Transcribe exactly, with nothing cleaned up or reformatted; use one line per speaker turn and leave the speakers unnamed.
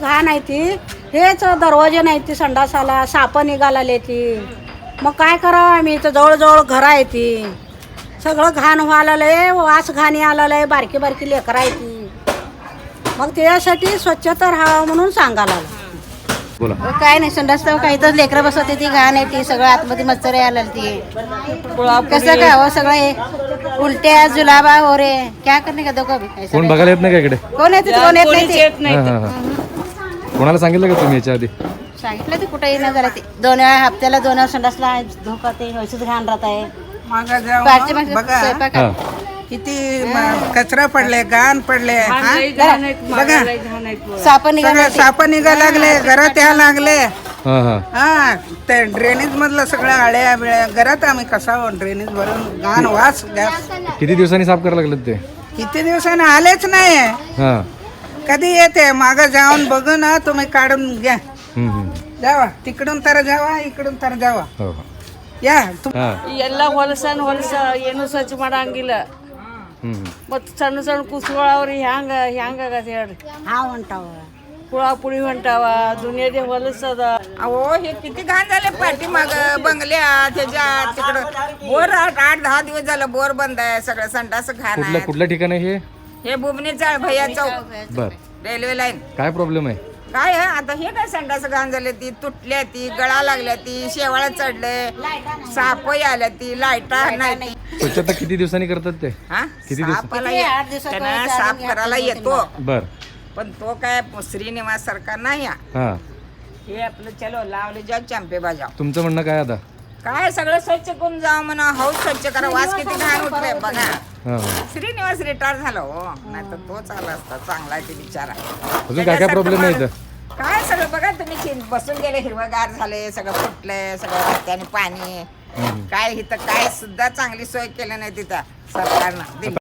घाण आहे ती, हेच दरवाजे नाही ती, संडासाला साप निघालेली ती. मग काय करावं आम्ही, इथं जवळजवळ घरं आहे ती, सगळं घाण व्हायला, वास घाणी आलेलं, बारकी बारकी लेकरं आहे ती. मग त्यासाठी स्वच्छता राहावं म्हणून सांगायला
बोला.
काय नाही, संडास काही तर लेकरं बसवते ती, घाण आहे ती, सगळं आतमध्ये मच्छर आलेली ती. कसं काय हो, सगळं हे उलट्या जुलाबा हो रे, क्या करणे का दोघं बी.
कोण बघायला येत नाही का इकडे?
कोण येते कोण येत नाही ते.
हा, हा, हा. कोणाला सांगितलं का तुम्ही याच्या आधी?
सांगितलं ते कुठे येणं झालं ते, दोन वेळा हप्त्याला दोन वेळा संडासला धोका ते व्यवस्थित घाण राहत आहे.
मागं जाऊन
पाचशे माणसं
बघा
स्वयंपाक
हा.
किती म- कचरा पडले, घाण पडले, हा? बघा
साप
सगळं
निघाले
साप निघा लागले, घरात या लागले.
हा हा
हा ते ड्रेनेज मधलं सगळं आळ्या बिळ्या घरात आम्ही कसा ड्रेनेज भरून घाण वास गॅस.
किती दिवसांनी साफ करायला लागलं ते?
किती दिवसाने आलेच नाही,
हा.
कधी येते मागं जाऊन बघू ना, तुम्ही काढून घ्या.
हम्म, हम्म.
जावा तिकडून तर जावा, इकडून तर जावा,
हो, हो.
या तुम-
हा.
ಎಲ್ಲ ಹೊಲಸನ್ ಹೊಲಸ ಏನು ಸ್ವಚ್ಛ ಮಾಡಂಗಿಲ್ಲ.
हम्म.
ಮತ್ತು ಸಣ್ಣ ಸಣ್ಣ ಕುಸುಗಳವ್ರಿ ಹ್ಯಾಂಗ ಹ್ಯಾಂಗಾಗತ್ತೆ ಹೇಳ್ರಿ.
हा म्हणताव
ಹುಳ पुळी ಹೊಂಟಾವ, दुनियाದೇ ಹೊಲಸದ.
अहो हे किती घाण झाले पाठीमाग बंगल्या त्याच्या तिकडं बोर आठ आठ दहा दिवस झालं बोर बंद आहे, सगळं संडास घाण
कुठल्या
आहे.
कुठल्या ठिकाणी हे?
हे बुबने चाळ भैया चौक
बर.
Railway line.
काय प्रॉब्लेम आहे?
काय आहे आता हे काय संडास घाण झाले, ती तुटल्या, ती गळा लागल्या, ती शेवाळा चढले, सापही आल्या, ती लाईटा नाही ती.
स्वच्छता किती दिवसांनी करतात ते?
हा
किती दिवस?
सापाला
किती?
ये-
आठ दिवसात
त्यांना
वगैरे
साफ
चालून
करायला
घ्या,
येतो,
बर.
पण तो काय श्रीनिवास सरकार नाही हा.
हा.
हे आपलं चलो लावले जाऊ चॅम्पे बाजाव.
तुमचं म्हणणं काय आता?
काय सगळं स्वच्छ करून जावं म्हणा, हाऊस स्वच्छ करा, वास किती घाण उठले बघा.
हा, हा.
श्रीनिवास रिटायर झाला हो, नाही तर तोच आला असता, चांगला आहे ते बिचारा.
अजून काय काय प्रॉब्लेम आहे इथं?
काय सगळं बघा तुम्ही, चिं- बसून गेले, हिरवगार झाले, सगळं फुटलंय, सगळं रस्त्याने पाणी. काय इथं काय सुद्धा चांगली सोय केली नाही तिथं सरकारनं.